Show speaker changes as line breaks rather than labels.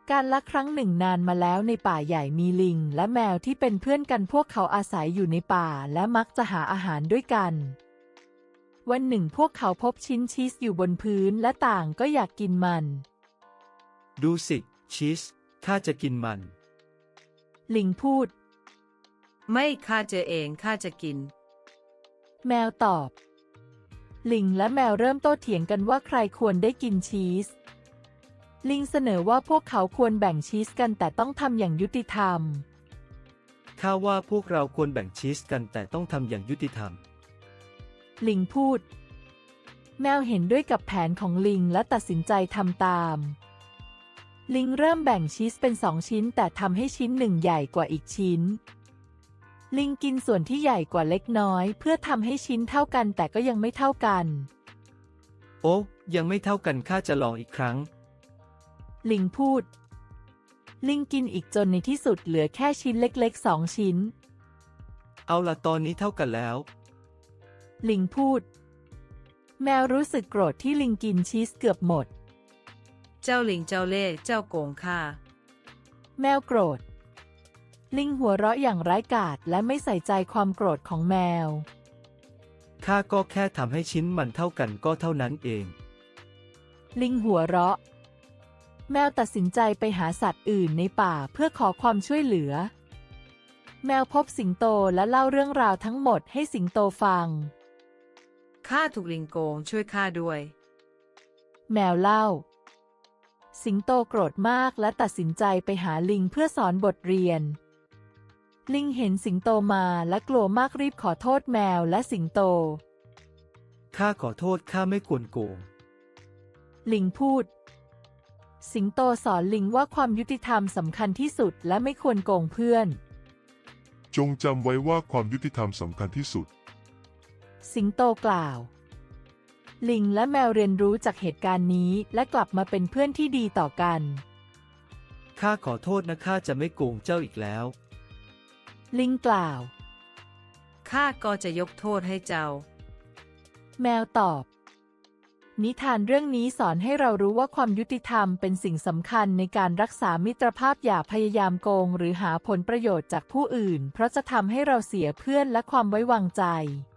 การละครั้งหนึ่งนานมาแล้วในป่าใหญ่มีลิงและแมวที่เป็นเพื่อนกันพวกเขาอาศัยอยู่ในป่าและมักจะหาอาหารด้วยกันวันหนึ่งพวกเขาพบชิ้นชีสอยู่บนพื้นและต่างก็อยากกินมัน
ดูสิชีสข้าจะกินมัน
ลิงพูด
ไม่ข้าเจอเองข้าจะกิน
แมวตอบลิงและแมวเริ่มโต้เถียงกันว่าใครควรได้กินชีสลิงเสนอว่าพวกเขาควรแบ่งชีสกันแต่ต้องทำอย่างยุติธรรม
ข้าว่าพวกเราควรแบ่งชีสกันแต่ต้องทำอย่างยุติธรรม
ลิงพูดแมวเห็นด้วยกับแผนของลิงและตัดสินใจทำตามลิงเริ่มแบ่งชีสเป็น2 ชิ้นแต่ทำให้ชิ้นหนึ่งใหญ่กว่าอีกชิ้นลิงกินส่วนที่ใหญ่กว่าเล็กน้อยเพื่อทำให้ชิ้นเท่ากันแต่ก็ยังไม่เท่ากัน
โอ้ยังไม่เท่ากันข้าจะลองอีกครั้ง
ลิงพูดลิงกินอีกจนในที่สุดเหลือแค่ชิ้นเล็กๆ2 ชิ้น
เอาล่ะตอนนี้เท่ากันแล้ว
ลิงพูดแมวรู้สึกโกรธที่ลิงกินชีสเกือบหมด
เจ้าลิงเจ้าเล่ห์เจ้าโกงข้า
แมวโกรธลิงหัวเราะอย่างร้ายกาจและไม่ใส่ใจความโกรธของแมว
ข้าก็แค่ทำให้ชิ้นมันเท่ากันก็เท่านั้นเอง
ลิงหัวเราะแมวตัดสินใจไปหาสัตว์อื่นในป่าเพื่อขอความช่วยเหลือแมวพบสิงโตและเล่าเรื่องราวทั้งหมดให้สิงโตฟัง
ข้าถูกลิงโกงช่วยข้าด้วย
แมวเล่าสิงโตโกรธมากและตัดสินใจไปหาลิงเพื่อสอนบทเรียนลิงเห็นสิงโตมาและกลัวมากรีบขอโทษแมวและสิงโต
ข้าขอโทษข้าไม่ควรโกง
ลิงพูดสิงโตสอนลิงว่าความยุติธรรมสำคัญที่สุดและไม่ควรโกงเพื่อน
จงจำไว้ว่าความยุติธรรมสำคัญที่สุด
สิงโตกล่าวลิงและแมวเรียนรู้จากเหตุการณ์นี้และกลับมาเป็นเพื่อนที่ดีต่อกัน
ข้าขอโทษนะข้าจะไม่โกงเจ้าอีกแล้ว
ลิงกล่าว
ข้าก็จะยกโทษให้เจ้า
แมวตอบนิทานเรื่องนี้สอนให้เรารู้ว่าความยุติธรรมเป็นสิ่งสำคัญในการรักษามิตรภาพอย่าพยายามโกงหรือหาผลประโยชน์จากผู้อื่นเพราะจะทำให้เราเสียเพื่อนและความไว้วางใจ